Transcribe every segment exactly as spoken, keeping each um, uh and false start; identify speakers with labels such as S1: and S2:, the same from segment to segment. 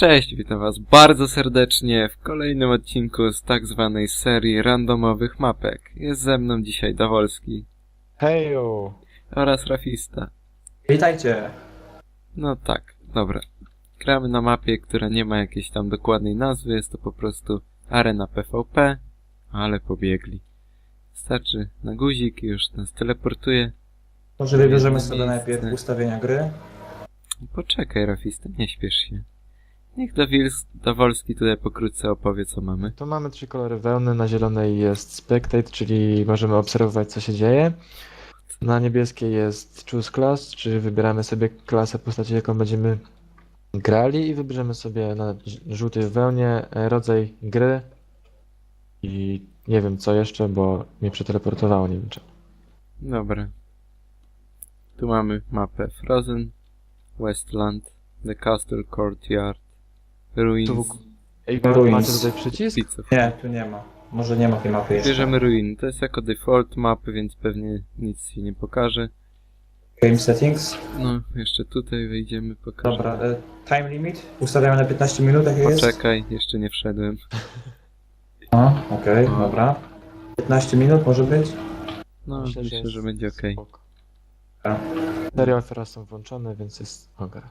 S1: Cześć, witam was bardzo serdecznie w kolejnym odcinku z tak zwanej serii randomowych mapek. Jest ze mną dzisiaj Dawolski
S2: Hejo!
S1: oraz Rafista.
S3: Witajcie!
S1: No tak, dobra. Gramy na mapie, która nie ma jakiejś tam dokładnej nazwy, jest to po prostu arena P V P, ale pobiegli. Wystarczy na guzik i już nas teleportuje.
S3: Może wybierzemy
S1: Jedno
S3: sobie
S1: miejsce.
S3: najpierw ustawienia gry.
S1: Poczekaj, Rafista, nie śpiesz się. Niech Dawils- Dawolski tutaj pokrótce opowie, co mamy.
S2: Tu mamy trzy kolory wełny. Na zielonej jest Spectate, czyli możemy obserwować, co się dzieje. Na niebieskiej jest Choose Class, czyli wybieramy sobie klasę postaci, jaką będziemy grali, i wybierzemy sobie na ż- żółtej wełnie e, rodzaj gry i nie wiem co jeszcze, bo mnie przeteleportowało, nie wiem czemu.
S1: Dobra. Tu mamy mapę Frozen, Westland, The Castle Courtyard, Ruins,
S2: Tu w- Ej,
S3: Ruins.
S2: macie tutaj przycisk?
S1: Pizza.
S3: Nie, tu nie ma. Może nie ma tej mapy jeszcze.
S1: Bierzemy Ruin. To jest jako default mapy, więc pewnie nic się nie pokaże.
S3: Game settings.
S1: No, jeszcze tutaj wejdziemy, pokażę.
S3: Dobra, e, time limit. Ustawiamy na piętnaście minut, jak jest?
S1: Poczekaj, jeszcze nie wszedłem.
S3: O, okej,
S1: O.
S3: dobra. piętnaście minut może być?
S1: No, myślę, że,
S2: jest
S1: będzie okej.
S2: spoko.
S3: A.
S2: Serial teraz są włączone, więc jest okej.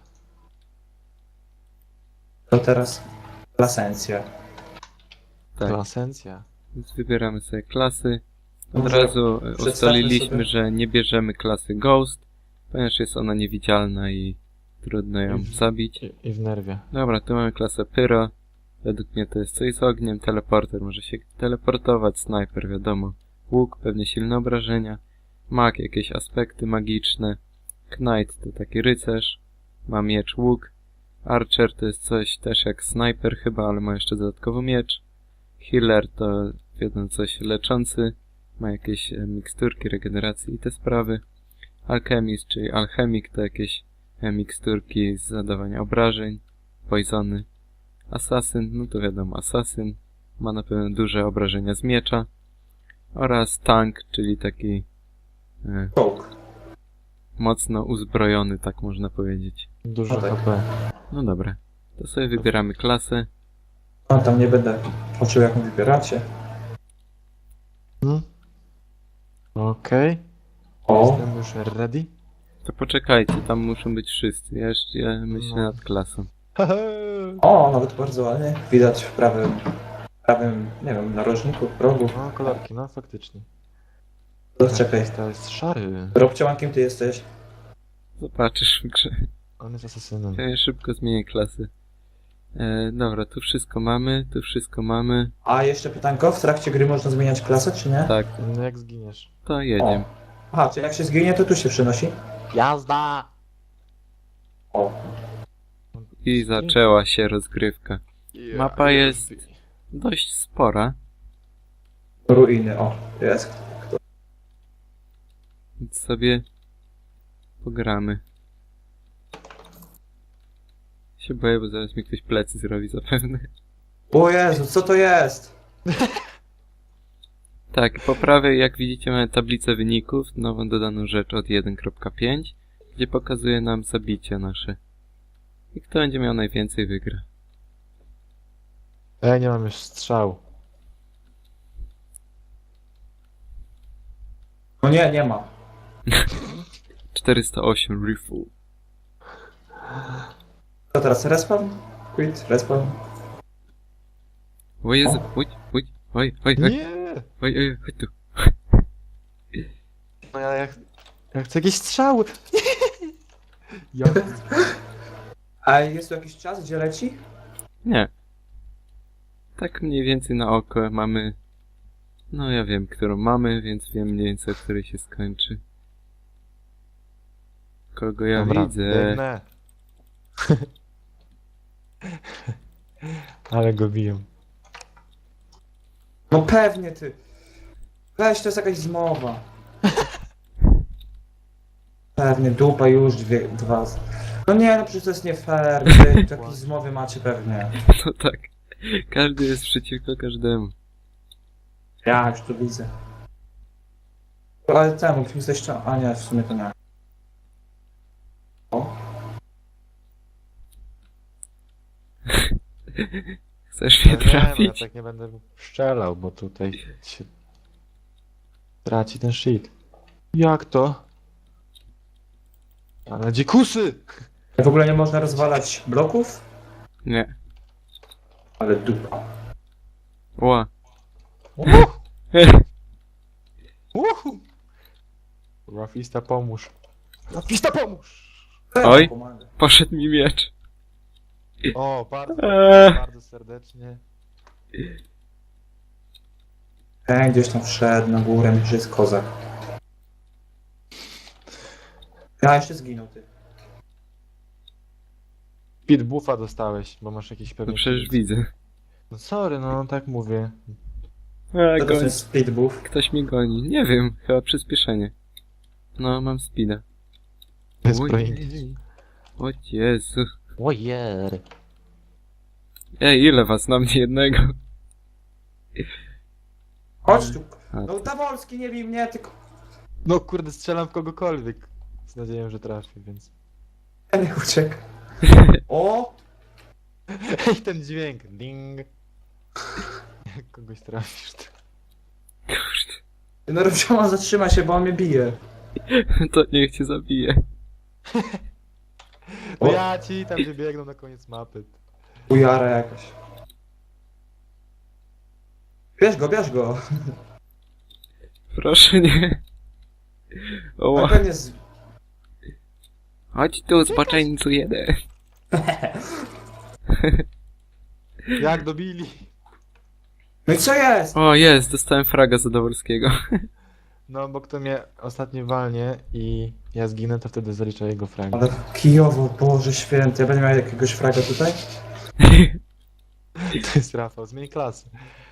S3: To teraz lasencja.
S1: Tak,
S2: Klasencja.
S1: więc wybieramy sobie klasy. Od
S3: Może
S1: razu e,
S3: przedstawmy
S1: ustaliliśmy,
S3: sobie-
S1: że nie bierzemy klasy Ghost, ponieważ jest ona niewidzialna i trudno ją
S2: Mhm.
S1: zabić.
S2: I, I w nerwie.
S1: Dobra, tu mamy klasę Pyro. Według mnie to jest coś z ogniem. Teleporter może się teleportować. Snajper, wiadomo. Łuk, pewnie silne obrażenia. Mag, jakieś aspekty magiczne. Knight to taki rycerz. Ma miecz, łuk. Archer to jest coś też jak snajper chyba, ale ma jeszcze dodatkowo miecz. Healer to wiadomo coś leczący. Ma jakieś e, miksturki, regeneracji i te sprawy. Alchemist, czyli alchemik to jakieś e, miksturki z zadawania obrażeń. Poisony. Asasyn, no to wiadomo, asasyn ma na pewno duże obrażenia z miecza. Oraz tank, czyli taki e,
S3: Czołg.
S1: mocno uzbrojony, tak można powiedzieć.
S2: Dużo
S3: No tak.
S2: H P.
S1: No dobra, to sobie wybieramy klasę.
S3: No tam nie będę patrzył, jaką wybieracie.
S2: Hmm? Okej.
S3: O,
S2: Jestem już ready.
S1: To poczekajcie, tam muszą być wszyscy. Ja jeszcze ja myślę
S2: No.
S1: nad klasą.
S3: o, nawet bardzo ładnie. Widać w prawym, prawym, nie wiem, narożniku, progu.
S2: No, kolorki, no faktycznie.
S3: To czekaj.
S2: To jest szary.
S3: Robciołan, kim ty jesteś?
S1: Zobaczysz w grze.
S2: On jest asasynem.
S1: Ja szybko zmienię klasy. E, dobra, tu wszystko mamy, tu wszystko mamy.
S3: A jeszcze pytanko, w trakcie gry można zmieniać klasę, czy nie?
S1: Tak,
S2: No jak zginiesz?
S1: to jedziemy.
S3: Aha, czy jak się zginie, to tu się przenosi?
S2: Jazda!
S3: O,
S1: I zaczęła się rozgrywka. Mapa jest dość spora,
S3: ruiny, o, jest.
S1: więc sobie pogramy. Się boję, bo zaraz mi ktoś plecy zrobi zapewne.
S3: O Jezu, co to jest?
S1: Tak, po prawej, jak widzicie, mamy tablicę wyników, nową dodaną rzecz od jeden kropka pięć, gdzie pokazuje nam zabicie nasze. I kto będzie miał najwięcej, wygra.
S2: Ja nie mam już strzał.
S3: No nie, nie ma.
S1: czterysta osiem rifle.
S3: To teraz respawn? Quit, respawn.
S1: O Jezu, oj, oj, oj, oj, oj,
S2: Nie!
S1: oj, oj, chodź tu.
S2: No ja, ja, ja chcę jakieś strzały! Ja...
S3: A jest tu jakiś czas, gdzie leci?
S1: Nie. Tak mniej więcej na oko mamy... No ja wiem, którą mamy, więc wiem mniej więcej, o której się skończy. Kogo ja
S2: Dobra,
S1: widzę?
S2: biegnę. Ale go biją.
S3: No pewnie ty. Weź, to jest jakaś zmowa. Pewnie, dupa już, dwie, dwa. z- No nie, no przecież to jest nie fair. Wy tu jakieś zmowy macie pewnie.
S1: No tak. Każdy jest przeciwko każdemu.
S3: Ja już to widzę. Ale temu, kim jesteś jeszcze... A nie, w sumie to nie. O.
S1: Chcesz mnie
S2: No nie, no ja
S1: trafić?
S2: tak nie będę strzelał, bo tutaj się traci ten shit. Jak to? Ale dzikusy!
S3: W ogóle nie można rozwalać bloków?
S1: Nie.
S3: Ale dupa.
S1: Ła.
S2: Uhu! Uhu! Rafista pomóż. Rafista pomóż!
S1: Oj.
S3: Pomaga.
S1: Poszedł mi miecz.
S2: O, bardzo,
S1: Eee.
S2: bardzo serdecznie.
S3: Ten gdzieś tam wszedł na górę, że jest kozak. Ja jeszcze zginął, ty.
S2: Pit buffa dostałeś, bo masz jakiś pewien...
S1: No przecież
S2: kit.
S1: widzę.
S2: No sorry, no tak mówię.
S1: A,
S3: Co to
S1: goń.
S3: jest speed buff?
S1: Ktoś mnie goni. Nie wiem, chyba przyspieszenie. No, mam speeda.
S2: To jest
S1: Ojej.
S2: projekt.
S1: O Jezu.
S2: Ojer.
S1: Ej, ile was na mnie jednego?
S3: Chodź tu.
S1: A,
S3: No Dawolski, nie bij mnie, tylko...
S2: No kurde, strzelam w kogokolwiek. Z nadzieją, że trafię, więc...
S3: Ja nie uciekł. O!
S2: Ej, ten dźwięk. Ding. Jak kogoś trafisz, to...
S1: Kurde.
S3: No Robzioma, zatrzyma się, bo on mnie bije.
S1: To niech cię zabije.
S2: No
S3: O.
S2: ja ci tam wybiegną na koniec mapy.
S3: Ujara jakaś. Bierz go, bierz go.
S1: Proszę nie.
S3: Na
S1: Oła.
S3: pewnie z...
S1: Chodź tu, zboczeńcu jeden.
S2: Jak dobili?
S3: No i co jest?
S1: O, jest, dostałem fraga Zadowolskiego.
S2: No, bo kto mnie ostatnio walnie i ja zginę, to wtedy zaliczę jego frag.
S3: Ale kijowo, Boże święty, ja będę miał jakiegoś fraga tutaj?
S2: To jest Rafał, zmień klasę.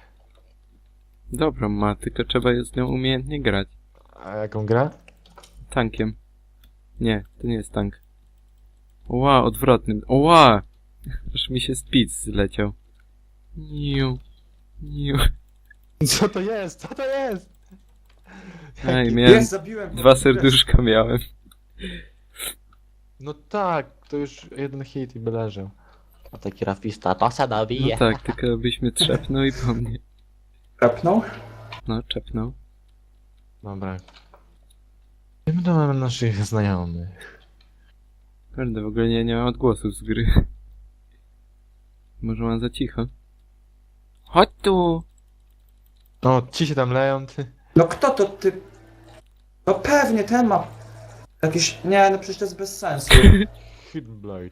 S1: Dobrą ma, tylko trzeba jest z nią umiejętnie grać.
S2: A jaką gra?
S1: Tankiem. Nie, to nie jest tank. Ła, odwrotnym. Ła! Aż mi się speed zleciał. Niu. Niu.
S2: Co to jest? Co to jest?
S1: Ej, miałem
S3: Jest, zabiłem.
S1: dwa serduszka miałem.
S2: No tak, to już jeden hit i by leżał. A taki rafista to se
S1: No
S2: nabije.
S1: tak, tylko byś mnie trzepnął i po mnie.
S3: Kapnął?
S1: No, trzepnął.
S2: Dobra. My to mamy naszych znajomych.
S1: Kurde, w ogóle nie, nie mam odgłosów z gry. Może mam za cicho. Chodź tu!
S2: O, ci się tam leją, ty.
S3: No kto to ty? No pewnie ten ma... Jakiś... Nie, no przecież to jest bez sensu.
S2: Hidden Blade.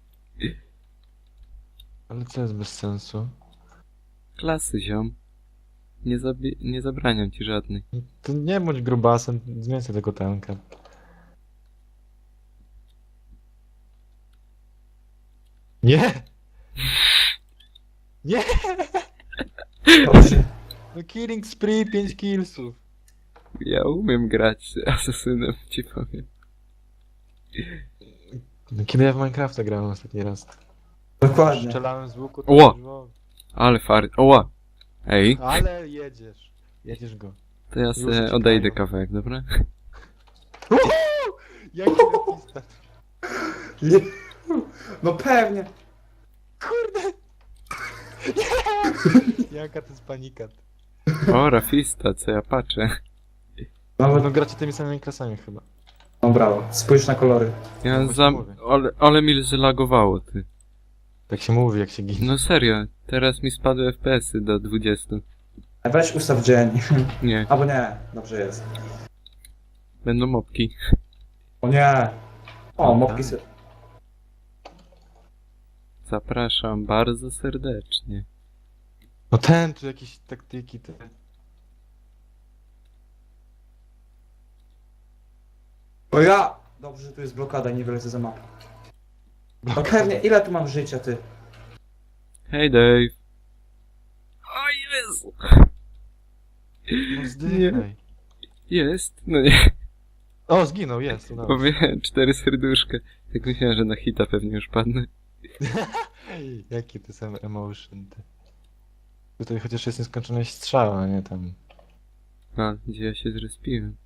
S2: Ale co jest bez sensu?
S1: Klasy, ziom. Nie, zabi- nie zabraniam ci żadnej.
S2: To nie bądź grubasem, zmień sobie tego tanka. Nie! Nie!
S3: Dobrze.
S2: No killing spree, pięć killsów.
S1: Ja umiem grać asesynem, ci powiem.
S2: No, kiedy ja w Minecrafta grałem ostatni raz?
S3: Dokładnie.
S2: Strzelałem z łuku, to
S1: Ło!
S2: było-
S1: Ale fart. Oła! Ej,
S2: Ale jedziesz. Jedziesz go.
S1: to ja
S2: Już
S1: sobie
S2: uciekają.
S1: odejdę kawałek, dobra?
S2: Uhu! Jaki rafista.
S3: Nie. No pewnie.
S2: Kurde! Nie! Jaka to jest panika.
S1: O, rafista, co ja patrzę.
S3: Nawet...
S2: No gracie tymi samymi klasami chyba.
S3: No brawo. Spójrz na kolory.
S1: Ja
S2: właśnie
S1: za...
S2: mówię.
S1: Ale, ale mi zlagowało, ty.
S2: Tak się mówi, jak się ginie.
S1: No serio, teraz mi spadły F P S-y do dwudziestu.
S3: A weź ustaw dzień.
S1: Nie,
S3: Albo nie. Dobrze jest.
S1: będą mopki.
S3: O nie. O,
S2: No
S3: mopki
S2: tak.
S3: se...
S1: Zapraszam bardzo serdecznie.
S2: No ten, tu jakieś taktyki, te...
S3: O ja! Dobrze, że tu jest blokada i nie wylecę za mapę. No pewnie, ile tu mam życia, ty?
S1: Hej, Dave. O Jezu!
S2: No zdychaj.
S1: Jest? No nie,
S2: O, zginął, jest. udało się.
S1: powiem cztery serduszka. Tak myślałem, że na hita pewnie już padnę.
S2: Jaki to sam emotion, ty. Tutaj chociaż jest nieskończoność strzała, a nie tam...
S1: A, gdzie ja się zrespiłem?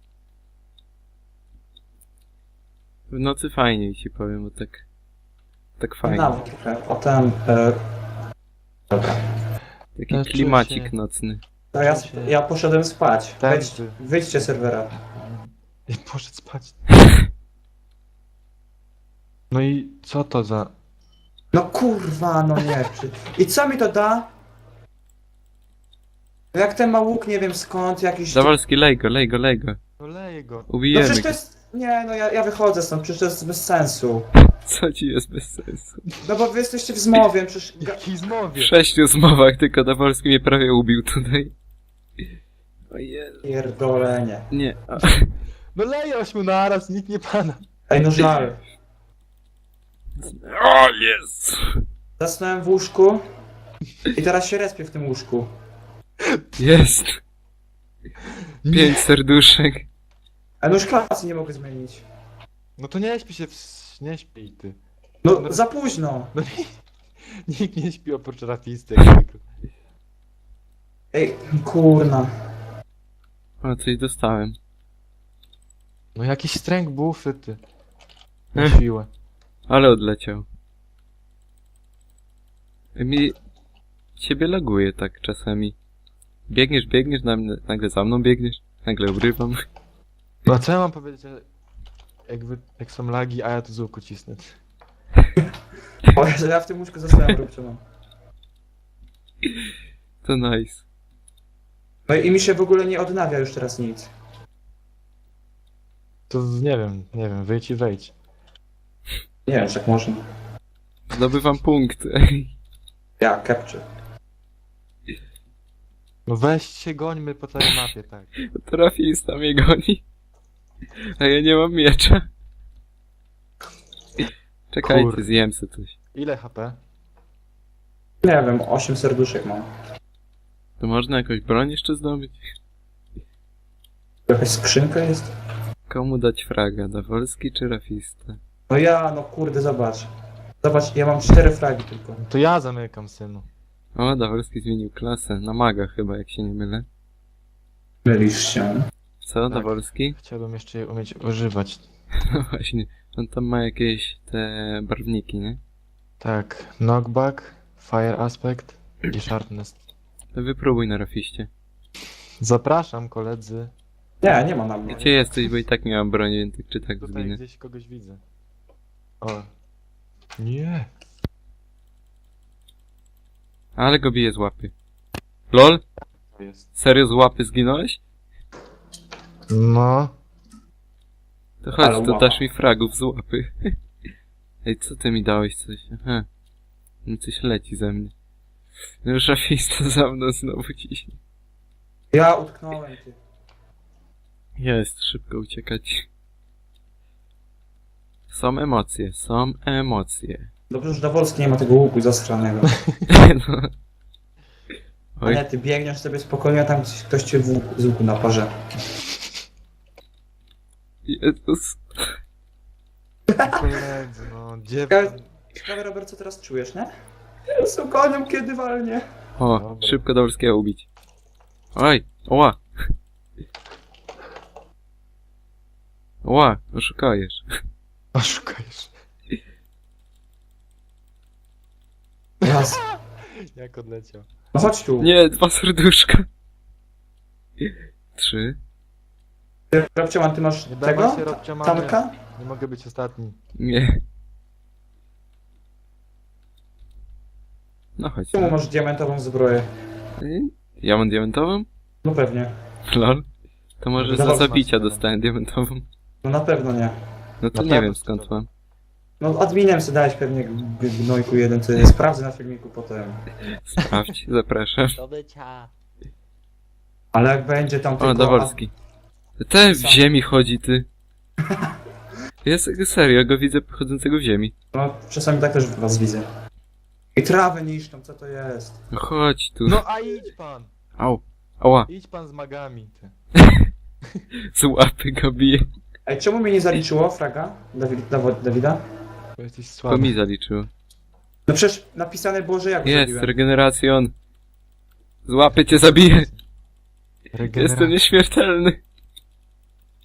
S1: W nocy fajniej ci powiem, bo tak Tak fajnie.
S3: Nawet trochę. O tam... E... Dobra.
S1: Taki
S2: Ja czuję
S1: klimacik
S2: się-
S1: nocny.
S3: To ja, ja poszedłem spać. Wejdź,
S2: Tępy.
S3: wyjdźcie z serwera.
S2: I poszedł spać. No i co to za...
S3: No kurwa, no nie. Przy... I co mi to da? No jak ten ma łuk, nie wiem skąd, jakiś...
S1: Zawolski, lej go, lej go, lej go.
S2: No leje go.
S3: No
S1: Ubijemy
S3: przecież
S1: go.
S3: to jest... Nie, no ja, ja wychodzę stąd, przecież to jest bez sensu.
S1: Co ci jest bez sensu?
S3: No bo wy jesteście w zmowie, przecież... Ga...
S2: Jaki
S1: W
S2: zmowie.
S1: sześciu zmowach tylko Dawolski mnie prawie ubił tutaj. Ojej.
S3: Pierdolenie.
S1: Nie. A,
S2: No leje ośmiu naraz, nikt nie pana.
S3: Ej, no żal.
S1: o, jest!
S3: Zasnąłem w łóżku i teraz się respię w tym łóżku.
S1: Jest! Pięć serduszek.
S3: A no już klasy nie mogę zmienić.
S2: No to nie śpi się, w... nie śpi ty.
S3: No za późno.
S2: No nikt nie śpi oprócz rafisty jak zwykle.
S3: Ej, kurna.
S1: O, coś dostałem.
S2: No jakiś stręk bufy ty.
S1: Ech.
S2: Na siłę.
S1: Ale odleciał. Mi... Ciebie laguje tak czasami. Biegniesz, biegniesz, na mnie, nagle za mną biegniesz, nagle obrywam.
S2: No a co ja mam powiedzieć, jak, wy, jak są lagi, a ja tu z łuku cisnę.
S3: O, że ja w tym łóżku zostałem róbczoną.
S1: To nice.
S3: No i mi się w ogóle nie odnawia już teraz nic.
S2: To nie wiem, nie wiem, wyjdź i wejdź.
S3: Nie wiem, czy tak można.
S1: Zdobywam punkt.
S3: Ja, capture.
S2: No weź się, gońmy po całej mapie, tak.
S1: Trafista mnie goni. A ja nie mam miecza. Czekajcie,
S2: Kur-
S1: zjem sobie coś.
S2: Ile H P?
S3: Nie wiem, osiem serduszek mam.
S1: To można jakąś broń jeszcze zdobyć?
S3: Jakaś skrzynka jest?
S1: Komu dać fraga? Dawolski czy rafista?
S3: No ja, no kurde, zobacz. Zobacz, ja mam cztery fragi tylko.
S2: To ja zamykam, synu.
S1: O, Dawolski zmienił klasę. Na maga chyba, jak się nie mylę.
S3: Mylisz się.
S1: Co,
S2: Tak.
S1: Dawolski?
S2: Chciałbym jeszcze je umieć używać.
S1: No właśnie. On tam ma jakieś te barwniki, nie?
S2: Tak, knockback, fire aspect i sharpness.
S1: To wypróbuj na rafiście.
S2: Zapraszam, koledzy.
S3: Nie, nie ma na mnie.
S1: Gdzie jesteś, bo i tak nie mam broni, więc tak czy tak
S2: Tutaj
S1: zginę.
S2: gdzieś kogoś widzę. O. Nie.
S1: Ale go bije z łapy. LOL?
S2: To jest.
S1: Serio z łapy zginąłeś?
S2: No.
S1: To chodź,
S3: Ale
S1: to
S3: łapa.
S1: dasz mi fragów z łapy. Ej, co ty mi dałeś coś? Aha. No coś leci ze mnie. No już rafista za mną znowu ciśnie.
S3: Ja utknąłem, ty.
S1: Jest, szybko uciekać. Są emocje, są emocje.
S3: Dobrze, że Dawolski nie ma tego łuku zastranego.
S1: No.
S3: A
S1: Oj,
S3: nie, ty biegniesz sobie spokojnie, a tam gdzieś ktoś cię w łuku, z łuku naparze.
S1: Jezus.
S2: Koledzy, no. Gdzie...
S3: Ciekawe, ciekawe, Robert, co teraz czujesz, nie? Z koniem kiedy walnie.
S1: O,
S2: Dobra.
S1: szybko Dawolskiego ubić. Oj, oła. Oła, oszukajesz.
S2: Oszukajesz.
S3: Raz.
S2: Jak odleciał.
S3: No chodź tu.
S1: Nie, dwa serduszka. Trzy.
S3: Ty, Robcioman, ty masz
S2: Nie
S3: tego?
S2: dawaj się, Robcia, mamy.
S3: Tanka?
S2: Nie mogę być ostatni.
S1: Nie. No chodź.
S3: Czemu masz diamentową zbroję?
S1: Ja mam diamentową?
S3: No pewnie.
S1: Lol. To może za
S3: Dawaj,
S1: zabicia
S2: masz,
S1: dostałem diamentową.
S3: No na pewno nie.
S1: No to
S2: Na
S1: nie
S2: pewno
S1: wiem
S2: ci
S1: skąd
S2: to-
S1: mam.
S3: No adminem sobie dałeś pewnie g- gnojku jeden, co sprawdzę na filmiku potem.
S1: Sprawdź, zapraszam.
S4: Do bycia.
S3: Ale jak będzie tam
S1: O,
S3: tylko...
S1: Dawolski. Ten w ziemi chodzi, ty. Jest serio, go widzę chodzącego w ziemi.
S3: No czasami tak też was widzę. I trawę niszczą, co to jest?
S1: No chodź tu.
S2: No a idź pan!
S1: Au. Ała.
S2: Idź pan z magami, ty.
S1: Z łapy go bije.
S3: Ej, czemu mnie nie zaliczyło fraga? Dawid, Dawo- Dawida?
S2: Bo jesteś
S1: To
S2: słaby.
S1: mi zaliczyło.
S3: No przecież napisane było, że ja go
S1: Jest,
S3: zabiłem.
S1: regeneracjon. Z łapy cię zabiję.
S2: Regeneracja.
S1: Jestem nieśmiertelny.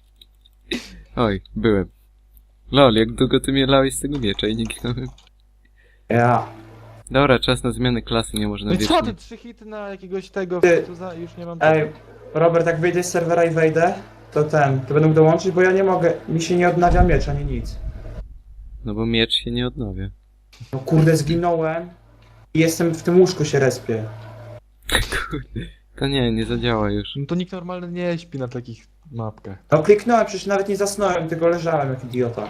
S1: Oj, byłem. Lol, jak długo ty mnie lałeś z tego miecza i nie ginąłem.
S3: Ja.
S1: Dobra, czas na zmianę klasy, nie można
S2: No i co
S1: wiecznie.
S2: ty, trzy hity na jakiegoś tego,
S3: Ty-
S2: tu za, już nie mam
S3: Ej,
S2: tego.
S3: Robert, jak wyjdę z serwera i wejdę, to ten, to będę mógł dołączyć, bo ja nie mogę, mi się nie odnawia miecz, ani nic.
S1: No bo miecz się nie odnawia.
S3: No kurde, zginąłem i jestem w tym łóżku się respię.
S1: Kurde. To nie, nie zadziała już.
S2: No to nikt normalny nie śpi na takich mapkach.
S3: No kliknąłem, przecież nawet nie zasnąłem, tylko leżałem jak idiota.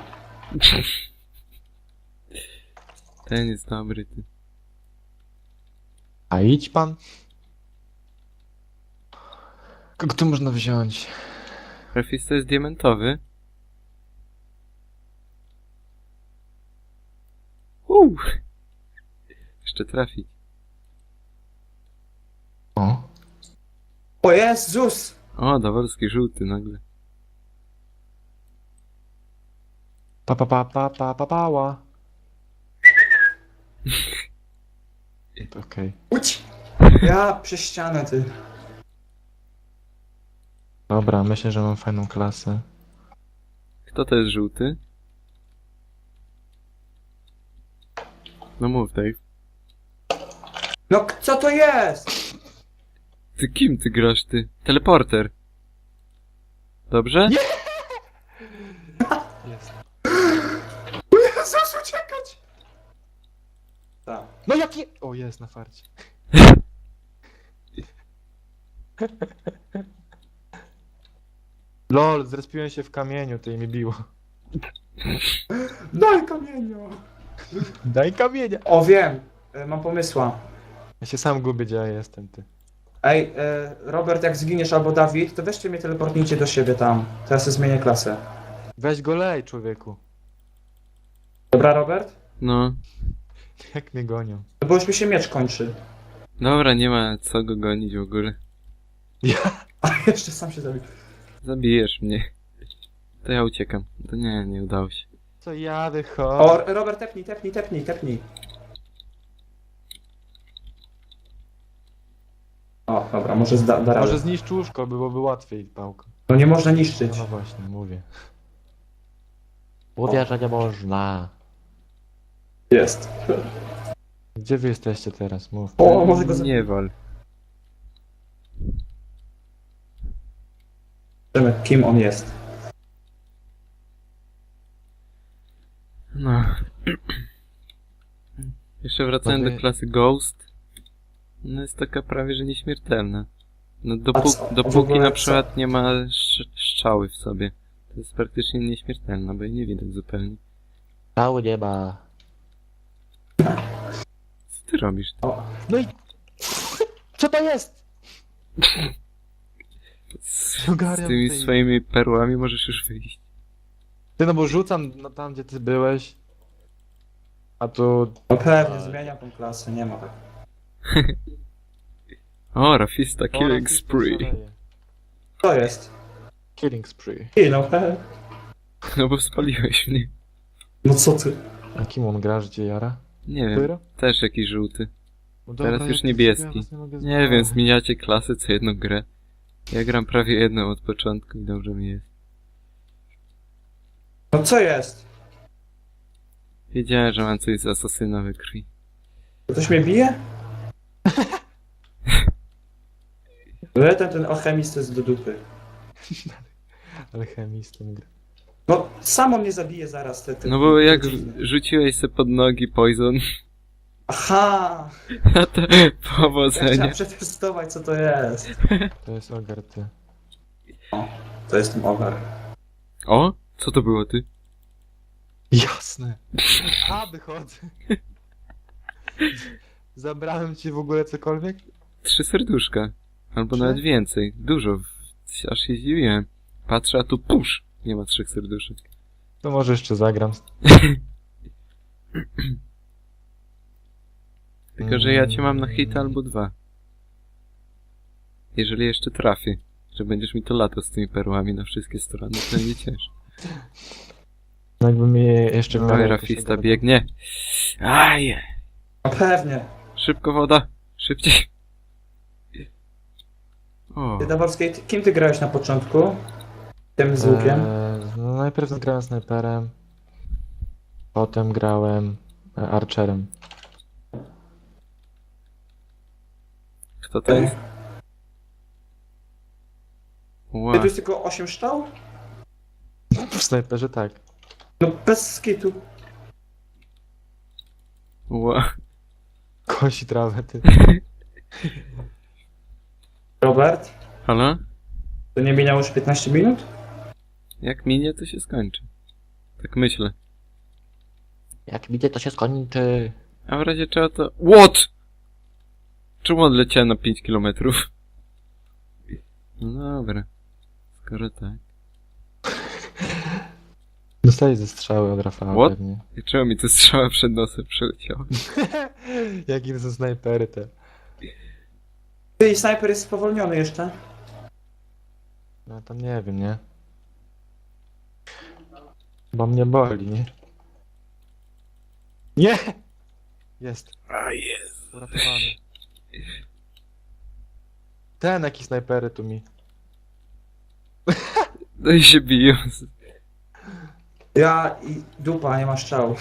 S1: Ten jest dobry, ty.
S2: A idź pan. Kogo tu można wziąć?
S1: Refis to jest diamentowy. Uuu. Jeszcze trafić.
S2: O.
S3: O Jezus!
S1: O, dowolski żółty nagle.
S2: Pa pa pa pa pa pa pała. Okej.
S3: Uć! Ja przez ścianę, ty.
S2: Dobra, myślę, że mam fajną klasę.
S1: Kto to jest żółty? No mów, Dave.
S3: No k- co to jest?
S1: Ty kim ty grasz, ty? Teleporter. Dobrze?
S2: Nie! Jest.
S3: Jezus, uciekać! Tak.
S2: No jakie... O, jest na farcie. Lol, zrespiłem się w kamieniu, to i mi biło.
S3: Daj kamienia!
S2: Daj kamienia!
S3: O, wiem. E, Mam pomysła.
S2: Ja się sam gubię, gdzie ja jestem, ty.
S3: Ej, e, Robert, jak zginiesz albo Dawid, to weźcie mnie teleportnijcie do siebie tam. Teraz sobie zmienię klasę.
S2: Weź go lej, człowieku.
S3: Dobra, Robert?
S1: No.
S2: Jak mnie gonią.
S3: No bo już mi się miecz kończy.
S1: Dobra, nie ma co go gonić w ogóle.
S2: Ja...
S3: A jeszcze sam się zabił.
S1: Zabijesz mnie. To ja uciekam. To nie, nie udało się.
S2: Co ja wychodzę?
S3: O, Robert, tepnij, tepnij, tepnij, tepnij. O, dobra, może zda, da radę.
S2: Może zniszcz łóżko, byłoby łatwiej pałką.
S3: No nie można niszczyć.
S2: No właśnie, mówię. Mówię, że nie można.
S3: Jest.
S2: Gdzie wy jesteście teraz? Mów.
S3: O, może go zabić.
S1: Nie wal.
S3: Zobaczymy, kim on jest.
S1: No. Jeszcze wracając
S2: Może-
S1: do klasy Ghost. No jest taka prawie, że nieśmiertelna. No
S3: A
S1: dopó
S3: co? W
S1: dopóki
S3: ogóle
S1: na
S3: co?
S1: przykład nie ma sz strzały w sobie. To jest praktycznie nieśmiertelna, bo jej nie widać zupełnie.
S2: Cały nie ma.
S1: Co ty robisz?
S3: O,
S2: No i... Co to jest?
S1: Z, z
S2: Ogarniam
S1: tymi
S2: tej-
S1: swoimi perłami możesz już wyjść.
S2: Ty no bo rzucam no, tam, gdzie ty byłeś. A tu...
S3: no pewnie, zmieniam tą klasę, nie ma tak.
S1: O, Rafista Killing
S2: O,
S1: Spree.
S2: szaleje.
S3: To jest.
S2: Killing spree.
S3: I no, he.
S1: No bo spaliłeś mnie.
S3: No co ty?
S2: A kim on gra, że cię jara?
S1: Nie wiem,
S2: Pyro?
S1: też jakiś żółty.
S2: No
S1: Teraz
S2: dobra,
S1: już
S2: ja to
S1: niebieski.
S2: sobie was nie mogę
S1: Nie wiem,
S2: znaleźć.
S1: zmieniacie klasy co jedną grę. Ja gram prawie jedną od początku i dobrze mi jest.
S3: No co jest?
S1: Wiedziałem, że mam coś z asasyna we krwi.
S3: Ktoś mnie bije? No ten, ten alchemist jest do dupy.
S2: Alchemistem gra.
S3: No, samo mnie zabije zaraz. Te, te,
S1: No bo jak
S3: te-
S1: rzuciłeś se pod nogi poison,
S3: Aha!
S1: a to
S3: Ja chciałem
S1: powodzenia.
S3: przetestować, co to jest.
S2: To jest ogar, ty.
S3: To jest ten ogar.
S1: O? Co to było ty?
S2: Jasne. A, wychodzę. Zabrałem ci w ogóle cokolwiek?
S1: Trzy serduszka. Albo
S2: Trzy?
S1: nawet więcej. Dużo. Aż się zdziwiłem. Patrzę, a tu pusz. Nie ma trzech serduszek.
S2: To może jeszcze zagram.
S1: Tylko, że ja cię mam na hita albo dwa. Jeżeli jeszcze trafię, że będziesz mi to lato z tymi perłami na wszystkie strony, to będzie ciężko.
S2: No jakby mi jeszcze...
S1: Oj,
S2: parę
S1: Rafista
S2: jakiegoś-
S1: biegnie. Aj!
S3: No pewnie.
S1: Szybko woda! Szybciej! O,
S3: Ty, Dawolskiej, ty- kim ty grałeś na początku? Tym z łukiem?
S2: Eee, no najpierw grałem snajperem. Potem grałem e, archerem.
S1: Kto to jest?
S3: Ty
S1: Ła.
S3: tu jest tylko osiem strzał?
S2: W snajperze tak.
S3: No bez skitu.
S1: Ła.
S2: Kosi trawę, ty.
S3: Robert,
S1: Halo?
S3: to nie minęło już piętnaście minut?
S1: Jak minie, to się skończy. Tak myślę.
S2: Jak widzę, to się skończy.
S1: A w razie czego to... What? Czemu odleciałem na pięć kilometrów? No dobra. Skoro tak.
S2: Dostałeś ze strzały od Rafała
S1: What?
S2: pewnie.
S1: I czemu mi to strzała przed nosem przeleciała?
S2: Jakie to są snajpery te.
S3: Ty, snajper jest spowolniony jeszcze.
S2: No to nie wiem, nie? Bo mnie boli, nie? Nie! Jest.
S1: A jest.
S2: Uratowany. Ten jaki snajpery tu mi.
S1: No i się biją.
S3: Ja i dupa, nie ma strzału.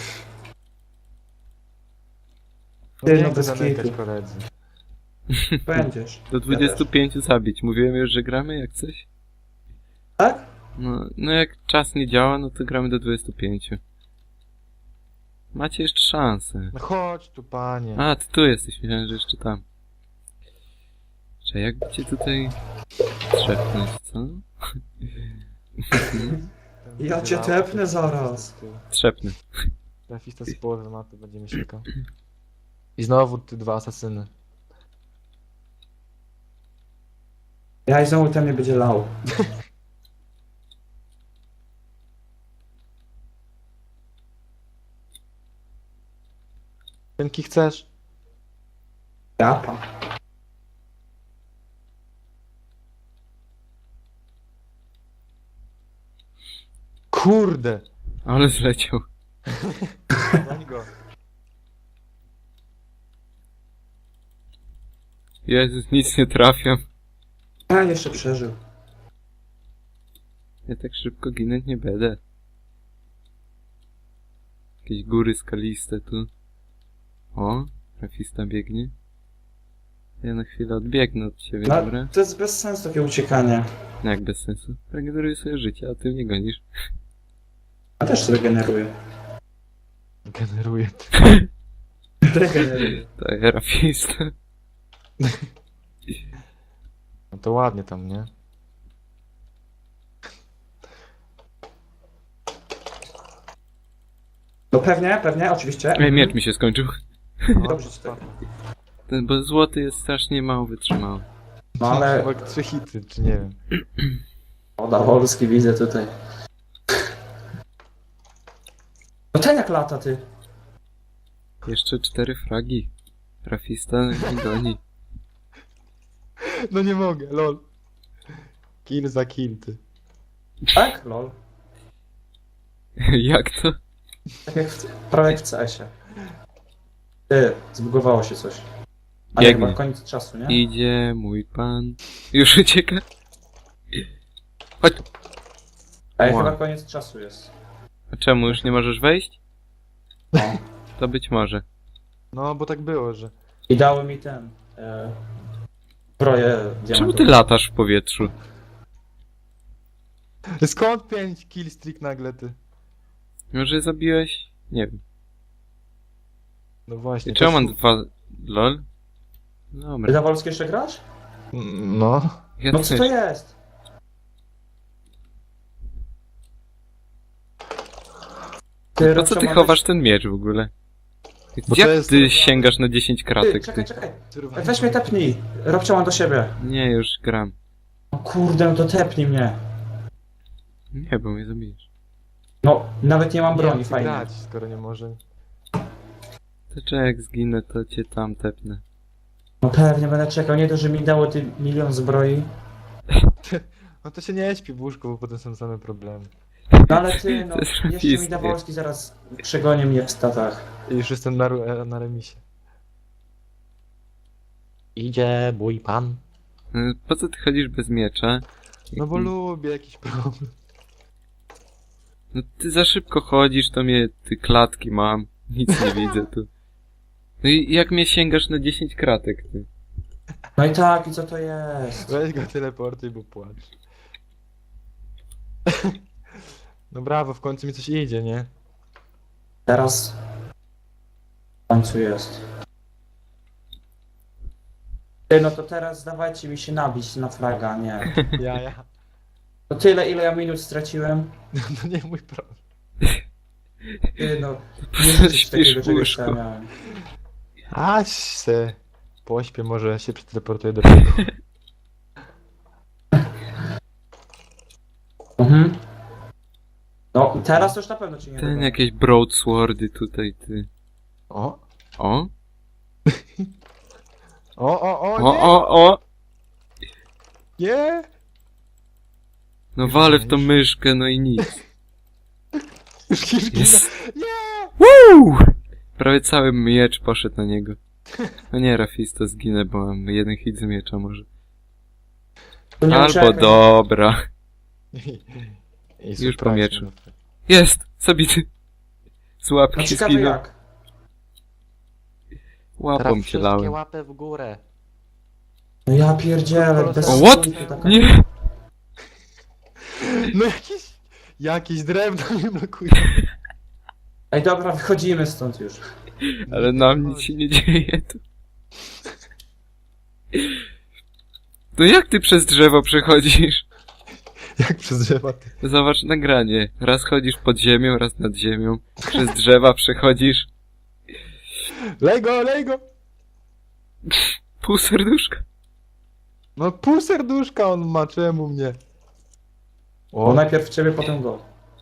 S2: No
S3: Ty,
S2: nie
S3: no
S2: chcę
S3: bez
S2: zamykać
S3: kitu.
S2: koledzy.
S3: Będziesz.
S1: Do dwudziestu pięciu zabić. Mówiłem już, że gramy jak coś?
S3: Tak?
S1: No, no jak czas nie działa, no to gramy do dwudziestu pięciu. Macie jeszcze szansę.
S2: No chodź tu, panie.
S1: A, ty tu jesteś, myślałem, że jeszcze tam. Czy jakby cię tutaj trzepnąć, co?
S3: Ja cię tepnę zaraz.
S1: Trzepnę.
S2: Trafista z połowy mapy będzie mi siekał. I znowu ty dwa asasyny.
S3: Ja i znowu ten mnie będzie lał.
S2: Pęki chcesz?
S3: Ja pan.
S2: Kurde!
S1: Ale zleciał.
S2: Goń go.
S1: Jezus, nic nie trafiam.
S3: Ja jeszcze przeżył.
S1: Ja tak szybko ginąć nie będę. Jakieś góry skaliste tu. O, trafista biegnie. Ja na chwilę odbiegnę od ciebie,
S3: No,
S1: dobra?
S3: to jest bez sensu takie uciekanie.
S1: No jak bez sensu. Regeneruję sobie życie, a ty mnie gonisz.
S3: Ja też sobie generuję.
S2: Generuje.
S3: Regeneruję.
S1: To ja trafista.
S2: No to ładnie tam, nie?
S3: No pewnie, pewnie, oczywiście.
S1: Ej, miecz mi się skończył.
S2: No,
S3: Dobrze ci tak.
S1: Ten, bo złoty jest strasznie mało wytrzymały.
S3: No ale...
S2: Chyba trzy hity, czy nie wiem.
S3: Oda Wolski widzę tutaj. No ten jak lata, ty.
S1: Jeszcze cztery fragi. Trafista i goni.
S2: No nie mogę, lol. Kill za kill, ty.
S3: Tak? Lol.
S1: Jak to?
S3: Tak jak w, prawie jak w C S-ie. Ty, zbugowało się coś. A nie,
S1: Biegnie.
S3: chyba koniec czasu, nie?
S1: Idzie mój pan. Już ucieka. Chodź.
S3: Ej,
S1: Wow.
S3: chyba koniec czasu jest.
S1: A czemu już nie możesz wejść?
S3: No.
S1: To być może.
S2: No, bo tak było, że...
S3: I dały mi ten... E, broję
S1: Czemu
S3: diamentową.
S1: ty latasz w powietrzu?
S2: Skąd pięć kill streak nagle, ty?
S1: Może zabiłeś? Nie wiem.
S2: No właśnie.
S1: I czemu
S2: to
S1: mam
S2: jest-
S1: dwa... Lol?
S3: Ty
S1: Dobra.
S3: na Wolski jeszcze grasz?
S2: No.
S1: Ja
S3: No co
S1: też.
S3: to jest?
S1: Po co
S3: Robcio,
S1: ty
S3: ma
S1: chowasz
S3: być-
S1: ten miecz w ogóle?
S2: Bo to
S1: Jak
S2: jest-
S1: ty sięgasz na dziesięć
S3: Ty,
S1: kratek,
S3: czekaj,
S1: ty?
S3: czekaj.
S2: Kurwa.
S3: Weź mnie tepnij. Robcio, mam do siebie.
S1: Nie, już gram.
S3: No kurde, no to tepnij mnie.
S1: Nie, bo mnie zabijesz.
S3: No, nawet nie mam
S2: Nie
S3: broni,
S2: wiem,
S3: fajnie.
S2: grać, skoro nie może.
S1: To czy jak zginę, to cię tam tepnę.
S3: No pewnie będę czekał, nie to, że mi dało ty milion zbroi.
S2: No to się nie śpi w łóżku, bo potem są same problemy.
S3: No ale ty, no,
S1: To jest
S3: jeszcze mi
S1: rafisty.
S3: Dawolski zaraz przegoni mnie w statach.
S2: I już jestem na, ru- na remisie. Idzie mój pan.
S1: Y, Po co ty chodzisz bez miecza?
S2: No bo lubię jakiś problem.
S1: No ty za szybko chodzisz, to mnie... Ty klatki mam. Nic nie widzę tu. No i jak mnie sięgasz na dziesięć kratek, ty?
S3: No i tak, i co to jest?
S2: Weź go teleportuj, bo płacz. No brawo, w końcu mi coś idzie, nie?
S3: Teraz... W końcu jest. Ty, no to teraz dawajcie mi się nabić na fraga, nie.
S2: Ja, ja.
S3: To tyle, ile ja minut straciłem.
S2: No nie mój problem.
S3: Ty, no... Nie wiem, coś
S1: Śpisz
S3: takiego
S1: w
S3: czegoś
S1: łóżku.
S3: tam miałem.
S2: Aś se pośpię, może się przeteleportuję do piekła.
S3: Mhm. No, teraz to już na pewno ci nie
S1: Ten
S3: dodam.
S1: jakieś broadswordy tutaj, ty.
S2: O!
S1: O?
S2: O, o, o,
S1: O,
S2: nie!
S1: o, o!
S2: Nie!
S1: No
S2: Już
S1: walę
S2: nie,
S1: w tą
S2: już.
S1: myszkę, no i nic.
S2: Już kilka...
S1: Jest.
S2: Nie!
S1: Woo! Prawie cały miecz poszedł na niego. No nie, Rafisto, zginę, bo mam jeden hit z miecza może.
S3: To nie
S1: Albo
S3: uciekaj.
S1: dobra.
S2: I
S1: Już
S2: surprise,
S1: po mieczu.
S2: no.
S1: Jest! Zabity! Z
S3: No
S1: łapki
S3: ciekawe
S1: zginął.
S3: jak.
S1: Łapą
S2: Teraz
S1: cię
S2: wszystkie
S1: lałem.
S2: łapy w górę.
S3: No ja pierdzielę, bez
S1: O, what?
S3: sensu taka-
S1: Nie!
S2: No jakieś... Jakieś drewno mnie blokuje.
S3: Ej, dobra, wychodzimy stąd już.
S1: Ale nam nic się nie dzieje tu. No jak ty przez drzewo przechodzisz?
S2: Jak przez drzewa ty.
S1: Zobacz nagranie. Raz chodzisz pod ziemią, raz nad ziemią. Przez drzewa przechodzisz.
S2: Lej go, lej go!
S1: Pół serduszka.
S2: No pół serduszka on ma, czemu mnie?
S3: Bo
S2: O,
S3: najpierw ciebie, potem go.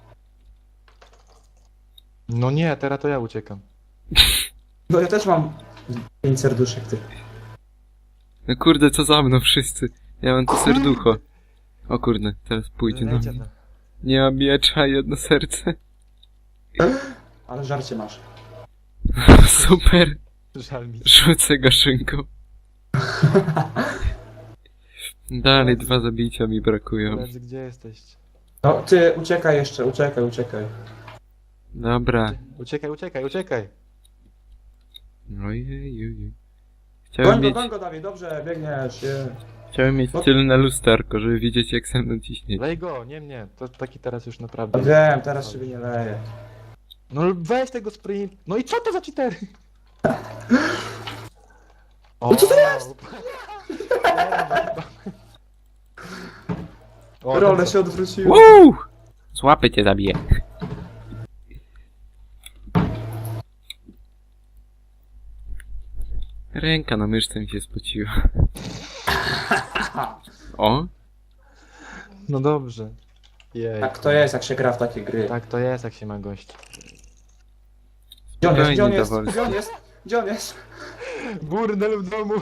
S2: no nie, teraz to ja uciekam.
S3: No ja też mam pięć serduszek, ty.
S1: No kurde, co za mną wszyscy. Ja mam to serducho. O kurde, teraz pójdzie na
S2: Lejcie
S1: mnie.
S2: tam.
S1: Nie mam miecza, jedno serce.
S3: Ale żarcie masz.
S1: Super.
S2: Żal mi.
S1: Rzucę go szynką. Dalej dwa zabicia mi brakują.
S2: Koledzy, gdzie jesteście?
S3: No ty, uciekaj jeszcze, uciekaj, uciekaj.
S1: Dobra.
S2: Uciekaj, uciekaj, uciekaj.
S1: Ojejuj. Chciałem
S3: Goń go,
S1: mieć,
S3: goń go, Dawid, dobrze, biegniesz. Je.
S1: chciałem mieć tylne lusterko, żeby widzieć jak ze mną ciśnie.
S2: Lej go, nie mnie. To taki teraz już
S3: No
S2: naprawdę.
S3: wiem, teraz ciebie nie leję.
S2: No weź tego sprint. No i co to za cheatery? O,
S3: No co to jest?
S2: O,
S3: Role
S2: ten
S3: się
S2: co?
S3: odwróciły.
S1: Woo! Z łapy cię zabiję. Ręka na myszce mi się spociła. O?
S2: No dobrze. Jej.
S3: Tak to jest, jak się gra w takie gry.
S2: Tak to jest, jak się ma gość.
S3: Gdzie on jest, gdzie on
S1: Spokojnie,
S3: jest,
S1: Dawolski.
S3: gdzie on jest, gdzie on jest?
S2: Burdel w domu.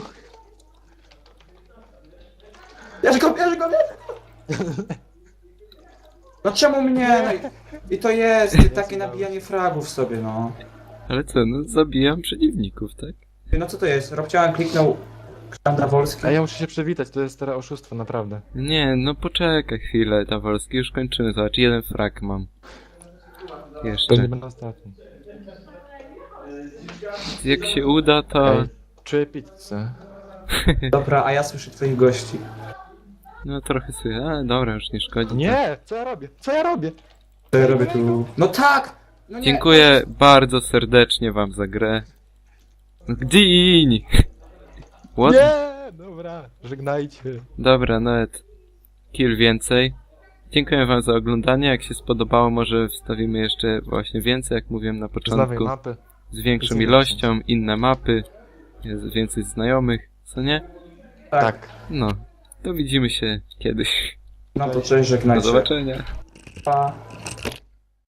S3: Bierz go, bierz go, bierz go! No czemu mnie? No i- I to jest takie nabijanie fragów sobie, no.
S1: Ale co, no zabijam przeciwników, tak?
S3: Ty, no co to jest? Robciałem kliknął Ksandra Wolski.
S2: A ja muszę się przywitać, to jest teraz oszustwo, naprawdę.
S1: Nie, no poczekaj chwilę, Dawolski, już kończymy, zobacz, jeden frag mam.
S2: To
S1: Jeszcze.
S2: nie będę ostatni.
S1: Jak się uda, to...
S2: Ej, czuję pizzę.
S3: Dobra, a ja słyszę twoich gości.
S1: No trochę sobie, ale dobra, już nie szkodzi.
S2: Nie! Co ja robię? Co ja robię?
S3: Co ja robię tu? No tak! No nie,
S1: Dziękuję bardzo serdecznie wam za grę. Gdyń! What?
S2: Nie! Dobra, żegnajcie.
S1: Dobra, nawet kill więcej. Dziękuję wam za oglądanie. Jak się spodobało, może wstawimy jeszcze właśnie więcej, jak mówiłem na
S2: Z nowej
S1: początku.
S2: mapy.
S1: Z większą
S2: Z innych
S1: ilością, inne mapy. Jest więcej znajomych, co nie?
S3: tak.
S2: Tak.
S1: No, to widzimy się kiedyś.
S3: No to cześć,
S1: Do
S3: żegnajcie.
S1: zobaczenia.
S3: Pa.